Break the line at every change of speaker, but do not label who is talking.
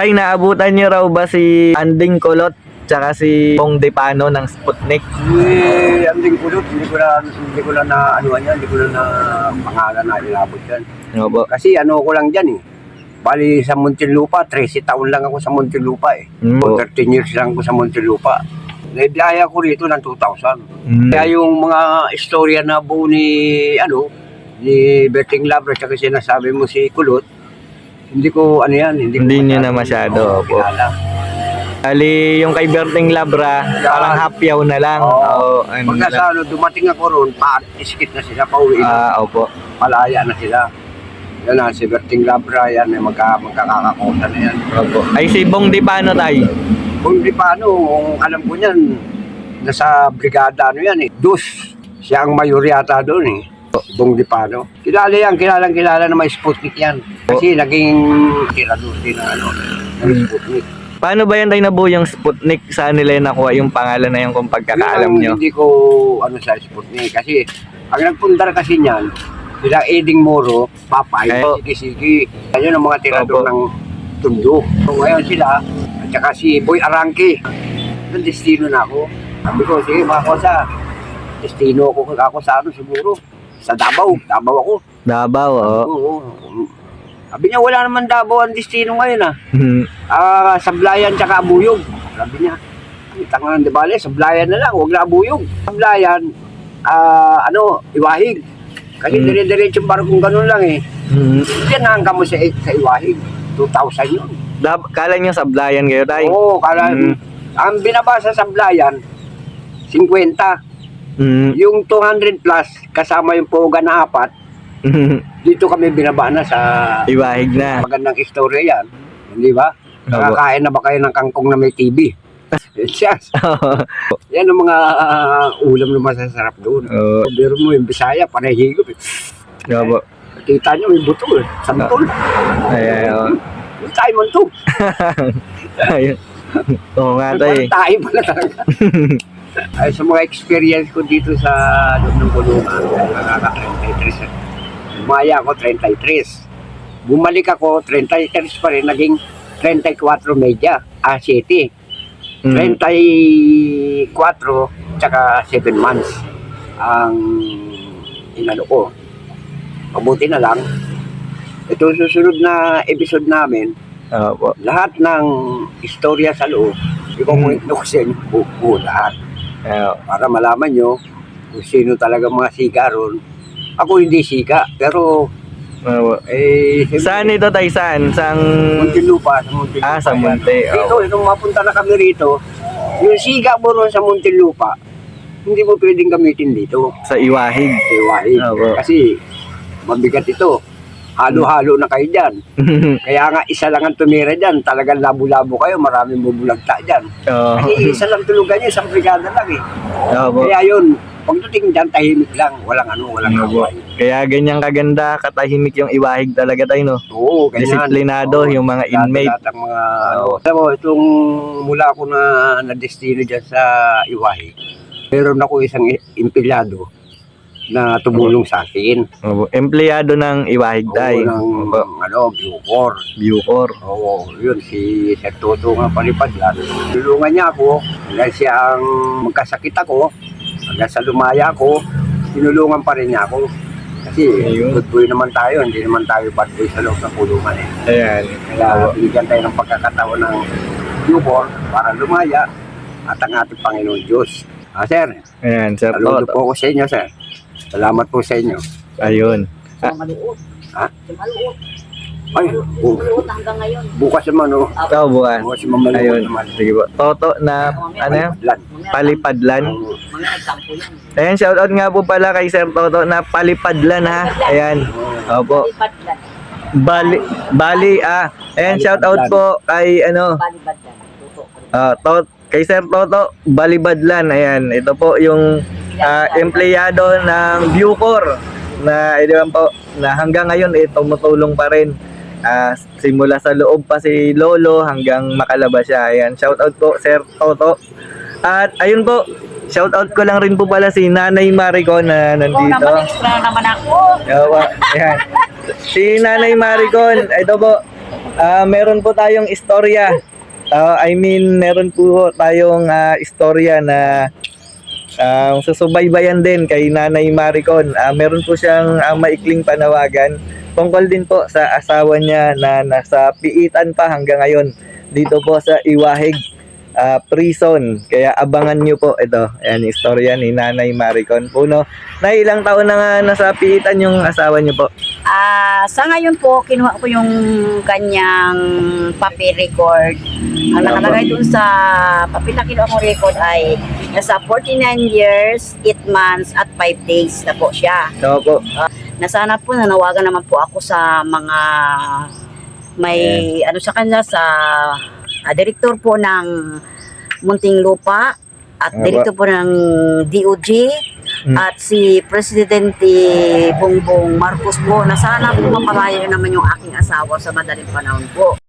Tay, naabutan niyo raw ba si Anding Kulot tsaka si Bong Depano ng Sputnik?
Anding Kulot, hindi ko na anuan yan, hindi ko na pangalan na inabot yan.
Opo.
Kasi ano ko lang dyan eh. Bali sa Muntinlupa, 13 taon lang ako sa Muntinlupa eh. 13 years lang ako sa Muntinlupa. Naibiyaya ko rito ng 2000. Kaya yung mga istorya na buo ni Berting Labra tsaka sinasabi mo si Kulot, hindi ko ano yan, hindi
niyo na masyado. Opo.
Kilala.
Ali, yung kay Berting Labra, parang hapyaw na lang.
Oo.
Ano
Pagka
lang.
sa dumating ako roon, iskit na sila, pauwi na.
Opo.
Palaya na sila. Yan na, si Berting Labra, yan, magkakakota na yan.
Opo. Ay, si Bong Depano, Tay.
Kung di paano, kung alam ko niyan, nasa brigada ano yan eh. Dus, siya ang mayor yata doon eh. Bong Depano. Kilala na may Sputnik yan. Kasi naging tirador din ng Sputnik.
Paano ba yan tayo nabuo yung Sputnik? Saan nila yung nakuha yung pangalan na yun kung pagkakaalam nyo?
Hindi ko sa Sputnik. Kasi ang nagpundar kasi niyan, sila Eding Moro, Papay, Sige. Ayun ang mga tirador ng Tundo. So, ngayon sila, at saka si Boy Arangke. Ang destino na ako. Sabi ko, sige mga kosa, destino ako sa ano siguro. Sa Davao ako.
Davao, oo.
Oo. Sabi niya, wala naman Davao ang destino ngayon Sablayan tsaka Abuyog. Sabi niya, tangan di bale, Sablayan na lang, huwag na Abuyog. Sablayan, Iwahig. Kasi dire-diretsong barkong ganun lang eh. Diyan hanggang mo sa Iwahig. 2,000 yun.
Kala niyo Sablayan kayo, Tay?
Oo, ang binabasa sa Sablayan, 50. Yung 200 plus, kasama yung Poga na 4, dito kami binaba na sa
Iwahig na.
Magandang istorya yan. Hindi ba? Nakakain na ba kayo ng kangkong na may TV? Yes. Yan ang mga ulam na masasarap doon. Biro mo yung Bisaya, panay higop eh.
Opo.
Kita nyo, may buto eh. Santol.
Ayan.
Tayo man to.
Ayun. Oo nga, Tay.
Tayo pala talaga. Ay, sa mga experience ko dito sa loob ng kulungan, nakaka-33. Umaya ako 33. Bumalik ako 33 pa rin, naging 34 media, 7. 34 tsaka 7 months ang inano ko. Mabuti na lang. Ito susunod na episode namin, lahat ng istorya sa loob, ikukwento ko sa inyo buo lahat. Para malaman nyo kung sino talaga mga siga ron. Ako hindi siga, pero
saan ito, Tay? Saan?
Muntinlupa.
Sa Munti.
Dito, nung mapunta na kami rito, yung siga mo ron sa Muntinlupa, hindi mo pwedeng gamitin dito.
Sa Iwahig.
Kasi mabigat ito. Halo-halo na kayo dyan. Kaya nga isa lang ang tumira dyan. Talagang labo-labo kayo. Maraming bubulagta dyan. Kasi isa lang tulugan nyo. Isang brigada lang eh. Kaya yun, pagdating dyan, tahimik lang. Walang away.
Kaya ganyang kaganda, katahimik yung Iwahig talaga, Tay, no?
Oo, ganyan.
Disiplinado yung mga inmate.
Alam mo, itong mula ako na destino dyan sa Iwahig, meron ako isang empleyado na tumulong sa akin.
Empleyado ng Iwahig, Tay.
Oo, ng Bucor. Oo, yun, si Sir Toto nga palipad yan. Tulungan niya ako, hanggang siya ang magkasakit ako, hanggang sa lumaya ako, tinulungan pa rin niya ako. Kasi good boy naman tayo, hindi naman tayo bad boy sa loob ng kulungan eh.
Ayan.
Kaya binigyan tayo ng pagkakataon ng Bucor para lumaya at ang ating Panginoon Diyos. Sir,
ayan, Sir
saludo
Toto.
po ako sa inyo, sir. Salamat po sa inyo.
Ayun.
Sa Maluot.
Ha?
Sa Maluot.
Ay,
Maluot hanggang ngayon.
bukas naman, oh.
Ikaw, bukas.
Bukas naman.
Ayun. Sige po. Toto na, ano yan? Palipadlan.
Mga nagtampo yan.
Ayan, shoutout nga po pala kay Sir Toto na Palipadlan, ha? Ayan. Opo.
Balibadlan.
Bali, ayan, shoutout po kay,
Balibadlan. Tuto.
kay Sir Toto, Balibadlan. Ayan, ito po yung empleyado ng Bucor na po na hanggang ngayon tumutulong pa rin. Simula sa loob pa si Lolo hanggang makalabas siya. Ayan, shoutout po Sir Toto. At ayun po, shoutout ko lang rin po pala si Nanay Maricon na nandito.
naman, extra naman ako.
Ayan. Si Nanay Maricon, ito po. Meron po tayong istorya. Meron po tayong istorya na susubaybayan din kay Nanay Maricon. Meron po siyang maikling panawagan tungkol din po sa asawa niya na nasa piitan pa hanggang ngayon dito po sa Iwahig prison. Kaya abangan nyo po ito. Ayan yung istorya ni Nanay Maricon po, no? Na ilang taon na nga nasa piitan yung asawa niyo po?
Sa ngayon po, kinuha ko yung kanyang papel record. Ang nakalagay dun sa papel na kinuha kong record ay nasa 49 years, 8 months, at 5 days na po siya.
So po.
Na sana po, nanawagan naman po ako sa mga may ano sa kanya, sa direktor po ng Muntinlupa at direktor po ng DOJ at si Presidente Bongbong Marcos po na sana po mapalaya naman yung aking asawa sa madaling panahon po.